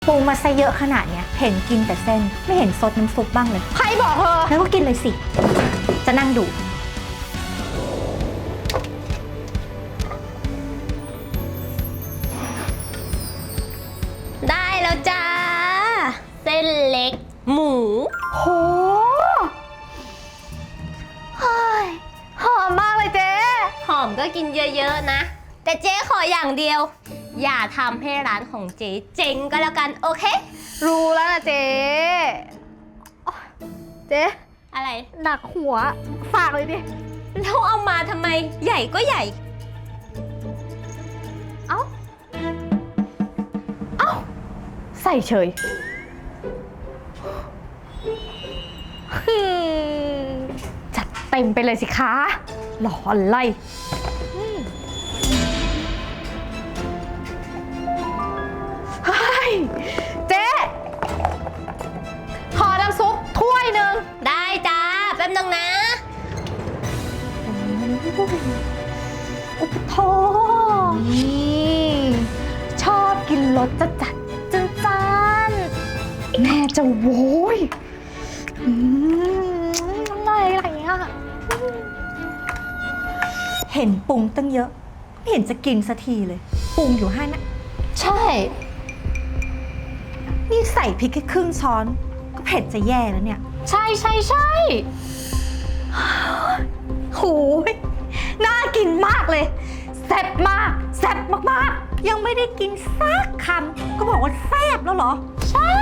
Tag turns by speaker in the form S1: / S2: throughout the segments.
S1: ปูมาซะเยอะขนาดเนี้ยเห็นกินแต่เส้นไม่เห็นซดน้ำซุปบ้างเลย
S2: ใครบอกเธอ
S1: แล้วก็กินเลยสิจะนั่งดู
S2: ได้แล้วจ้าเส้นเล็กหมู
S1: โหเฮ้ยหอมมากเลยเจ๊
S2: หอมก็กินเยอะๆนะแต่เจ๊ขออย่างเดียวอย่าทำให้ร้านของเจ๊เจ๊งก็แล้วกันโอเค
S1: รู้แล้วนะเจ๊เจ๊
S2: อะไร
S1: หนักหัวฝากเลยดิ
S2: แล้วเอามาทำไมใหญ่ก็ใหญ่
S1: เอ้าใส่เฉยจัดเต็มไปเลยสิคะหล่ออะไรเจ๊ขอน้ำซุปถ้วยหนึ่ง
S2: ได้จ้าแป๊บนึงนะ
S1: โอ้โหนี่ชอบกินรสจัดจานแม่จะโว้ยอะไรอ่ะเห็นปรุงตั้งเยอะไม่เห็นจะกินสักทีเลยปรุงอยู่5นะ
S2: ใช่
S1: นี่ใส่พริกแค่ครึ่งช้อนก็เผ็ดจะแย่แล้วเนี่ย
S2: ใช่
S1: โหยน่ากินมากเลยแซ่บมากแซ่บมากๆยังไม่ได้กินสักคำก็บอกว่าแซ่บแล้วเหรอ
S2: ใช่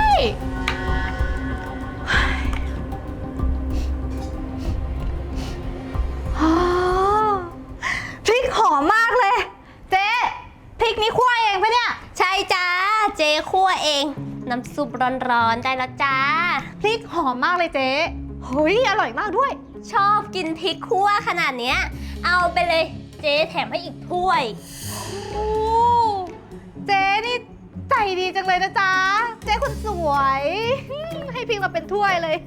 S1: พริกหอมมากเลยเจ๊พริกนี้คั่วเองปะเนี่ย
S2: ใช่จ้าเจ๊คั่วเองน้ำซุปร้อนๆได้แล้วจ้า
S1: พริกหอมมากเลยเจ๊เฮ้ยอร่อยมากด้วย
S2: ชอบกินพริกคั่วขนาดเนี้ยเอาไปเลยเจ๊แถมให้อีกถ้วย
S1: โอ้เจ๊นี่ใจดีจังเลยนะจ๊ะเจ๊คนสวยให้พริกมาเป็นถ้วยเลย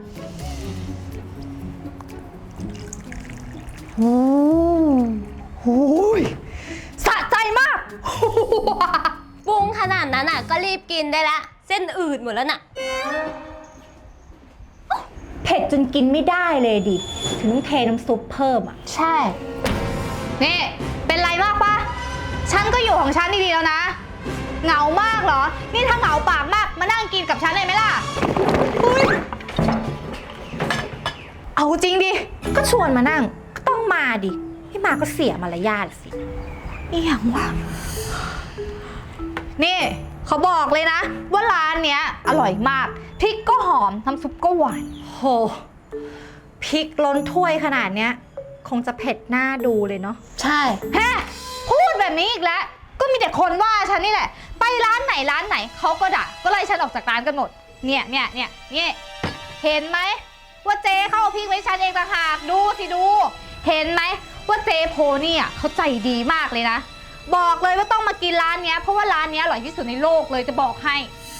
S1: โอ้ยสะใจมาก
S2: ปรุงขนาดนั้นอ่ะก็รีบกินได้ละเส้นอืดหมดแล้วน่ะ
S1: เผ็ดจนกินไม่ได้เลยดิถึงต้องเทน้ำซุปเพิ่มอ่ะ
S2: ใช่
S1: นี่เป็นไรมากปะฉันก็อยู่ของฉันดีๆแล้วนะเหงามากเหรอนี่ถ้าเหงาปากมากมานั่งกินกับฉันเลยไหมล่ะเอาจริงดิก็ชวนมานั่งก็ต้องมาดิไม่มาก็เสียมารยาทสิอีหยังวะนี่เขาบอกเลยนะว่าร้านเนี้ยอร่อยมากพริกก็หอมน้ำซุปก็หวานโหพริกล้นถ้วยขนาดเนี้ยคงจะเผ็ดหน้าดูเลยเนาะ
S2: ใช่
S1: แฮะพูดแบบนี้อีกแล้วก็มีแต่คนว่าฉันนี่แหละไปร้านไหนเขาก็ด่าก็ไล่ฉันออกจากร้านกันหมดเนี่ยเห็นไหมว่าเจ๊เข้าพริกไว้ฉันเองต่างหากดูสิดูเห็นไหมว่าเจ๊โพนี่อ่ะเขาใจดีมากเลยนะบอกเลยว่าต้องมากินร้านเนี้ยเพราะว่าร้านเนี้ยอร่อยที่สุดในโลกเลยจะบอกให้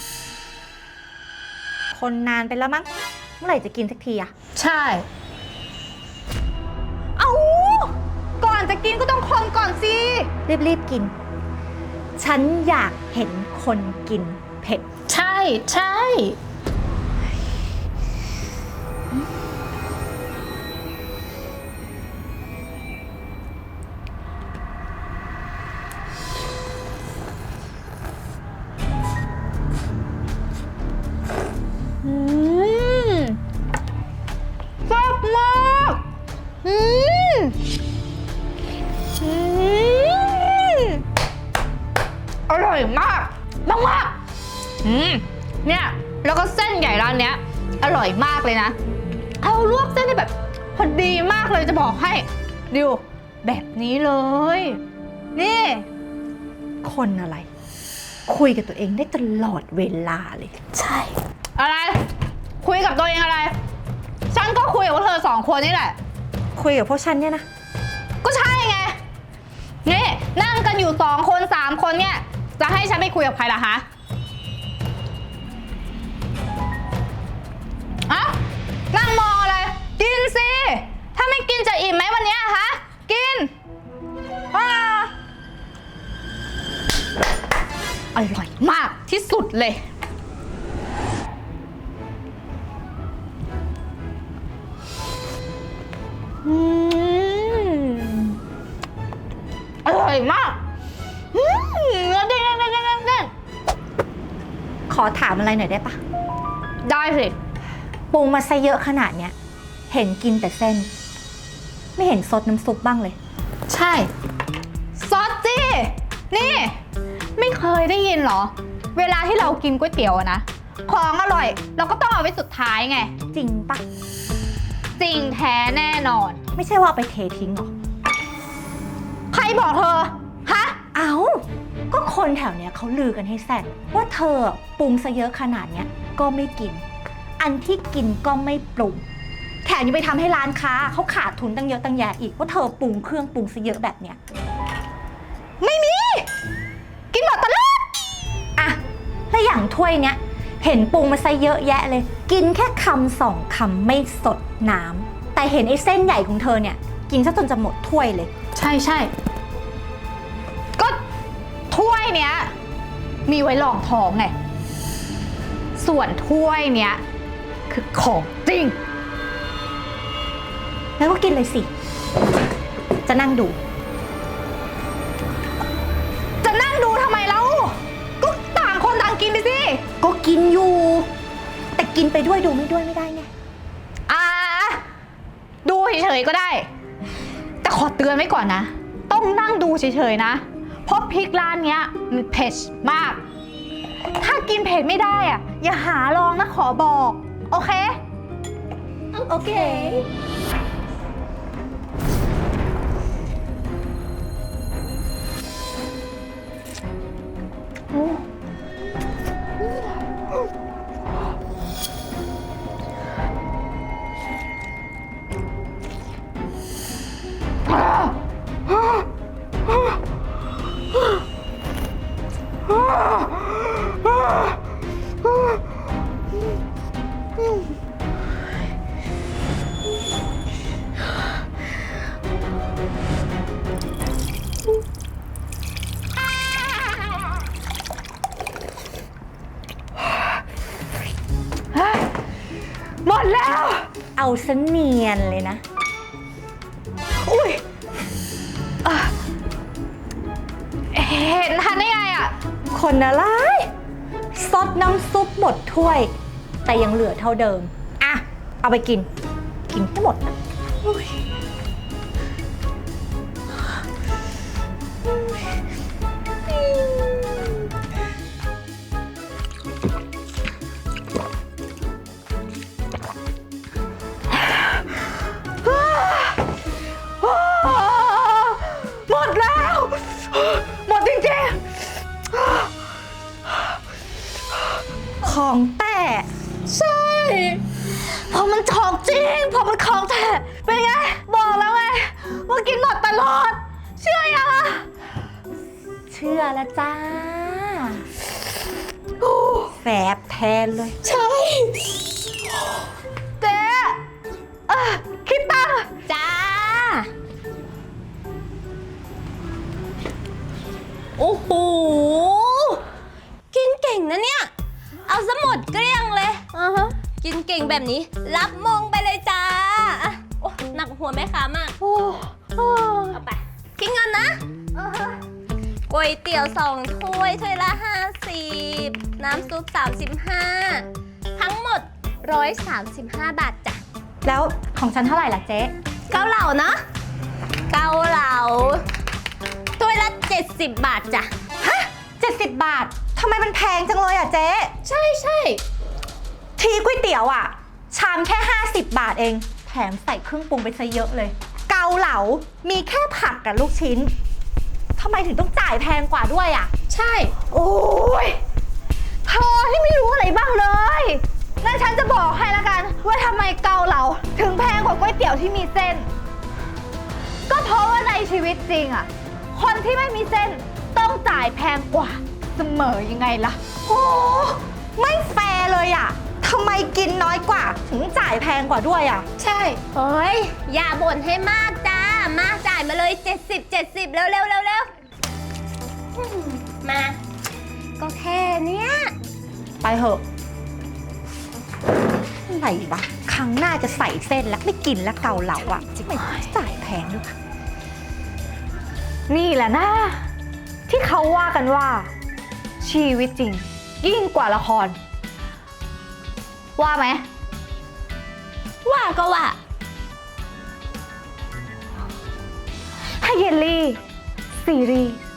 S1: คนนานไปแล้วมั้งเมื่อไหร่จะกินสักทีอะ
S2: ใช่
S1: เอาก่อนจะกินก็ต้องคนก่อนสิรีบกินฉันอยากเห็นคนกินเผ็ด
S2: ใช่
S1: แซ่บมากอร่อยมากเนี่ยแล้วก็เส้นใหญ่ร้านเนี้ยอร่อยมากเลยนะเอาลวกเส้นได้แบบพอดีมากเลยจะบอกให้ดูแบบนี้เลยนี่คนอะไรคุยกับตัวเองได้ตลอดเวลาเลย
S2: ใช่
S1: อะไรคุยกับตัวเองอะไรฉันก็คุยกับพวกเธอ2 คนนี่แหละคุยกับพวกฉันเนี่ยนะก็ใช่ไงนี่นั่งกันอยู่2 คน3 คนเนี่ยจะให้ฉันไปคุยกับใครล่ะฮะนั่งมองอะไรกินสิถ้าไม่กินจะอิ่มไหมวันนี้ฮะกินอร่อยมากที่สุดเลย อืมอร่อยมากเนื้อเด้งเด้งเด้งเด้ง
S3: ขอถามอะไรหน่อยได้ปะ
S1: ได้สิ
S3: ปรุงมาซะเยอะขนาดเนี้ย เห็นกินแต่เส้น ไม่เห็นซดน้ำซุปบ้างเลย
S1: ใช่ ซอสจี้ นี่ ไม่เคยได้ยินเหรอ เวลาที่เรากินก๋วยเตี๋ยวอะนะ ของอร่อย เราก็ต้องเอาไว้สุดท้ายไง
S3: จริงปะ
S1: จริงแท้แน่นอน
S3: ไม่ใช่ว่าเอาไปเททิ้งหรอ
S1: ใครบอกเธอ ฮะ
S3: เอาก็คนแถวเนี้ยเขาลือกันให้แซ่ดว่าเธอปรุงซะเยอะขนาดเนี้ยก็ไม่กิน อันที่กินก็ไม่ปรุง แถมยังไปทำให้ร้านค้าเขาขาดทุนตั้งเยอะตั้งแยะอีกว่าเธอปรุงเครื่องปรุงซะเยอะแบบเนี้ย
S1: ไม่มี กินหมดตลอด
S3: อะแล้วอย่างถ้วยเนี้ยเห็นปรุงมาซะเยอะแยะเลย กินแค่คำสองคำไม่สดน้ำแต่เห็นไอ้เส้นใหญ่ของเธอเนี่ยกินซะจนจะหมดถ้วยเลย
S1: ใช่ใช่ก็ถ้วยเนี้ยมีไว้รองท้องไง ส่วนถ้วยเนี้ยคือของจริง
S3: แล้วก็กินเลยสิ จะนั่งดู
S1: จะนั่งดูทำไมเล่าก็ต่างคนต่างกินไปสิ
S3: ก็กินอยู่ แต่กินไปด้วยดูไม่ด้วยไม่ได้ไง
S1: อ่าดูเฉยๆก็ได้ แต่ขอเตือนไว้ก่อนนะ ต้องนั่งดูเฉยๆนะ เพราะพริกร้านเนี้ยมันเผ็ดมาก ถ้ากินเผ็ดไม่ได้อ่ะอย่าหาลองนะขอบอก โอเค
S3: โอเค
S1: หมดแล้ว
S3: เอาซะเนียนเลยนะ
S1: อุ้ยเห็นทันได้ไงอ่ะ
S3: คนอะไรซดน้ำซุปหมดถ้วย แต่ยังเหลือเท่าเดิม อ่ะ เอาไปกิน กินให้หมดนะ
S1: หมดแล้ว หมดจริง
S3: ของแต่
S1: ๆ ใช่เพราะมันของจริงเพราะมันของแท้เป็นไง บอกแล้วไงว่ากินหมดตลอด เชื่อยังอ่ะ
S3: เชื่อแล้วจ้าแสบแทนเลย
S1: ใช่เจ๊คิดตังค์
S2: จ้า โอ้โห กินเก่งนะเนี่ย เอาซะหมดเกลี้ยงเลยกินเก่งแบบนี้ รับมงไปเลยจ้าอ่ะโอ้หนักหัวแม่ค้ามาก
S1: โอ้
S2: เอาไป คิดเงินนะก๋วยเตี๋ยว2 ถ้วย ถ้วยละ 50 น้ำซุป 35 ทั้งหมด 135 บาทจ้ะ
S3: แล้วของฉันเท่าไหร่ล่ะเจ๊
S2: เกาเหลานะ เกาเหลาถ้วยละ 70 บาทจ้ะ
S3: ฮะ70 บาท ทำไมมันแพงจังเลยอ่ะเจ๊
S2: ใช่ใช่
S3: ทีก๋วยเตี๋ยวอ่ะ ชามแค่50 บาทเอง แถมใส่เครื่องปรุงไปซะเยอะเลย เกาเหลา มีแค่ผักกับลูกชิ้น ทำไมถึงต้องจ่ายแพงกว่าด้วยอ่ะ
S2: ใช่
S1: โอ้ยเธอที่ไม่รู้อะไรบ้างเลยงั้นฉันจะบอกให้ละกันว่าทำไมเกาเหลาถึงแพงกว่าก๋วยเตี๋ยวที่มีเส้น ก็เพราะว่าในชีวิตจริงอ่ะ คนที่ไม่มีเส้นต้องจ่ายแพงกว่าเสมอยังไงล่ะ
S3: โอ้ไม่แฟร์เลยอ่ะทำไมกินน้อยกว่า ถึงจ่ายแพงกว่าด้วยอ่ะ
S2: ใช่เฮ้ย อย่าบ่นให้มากจ้า มาจ่ายมาเลย 70 เร็วเร็วเร็วเร็วมา ก็แค่เนี้ย
S3: ไปเถอะอะไรวะครั้งหน้าจะใส่เส้นแล้วไม่กินแล้วเกาเหลาอ่ะไม่จ่ายแพงด้วยค่ะ
S1: นี่แหละนะที่เขาว่ากันว่า ชีวิตจริง ยิ่งกว่าละคร ว่าไหม
S2: ว่าก็ว่า
S1: ถ้าเยลลี่ ซีรีส์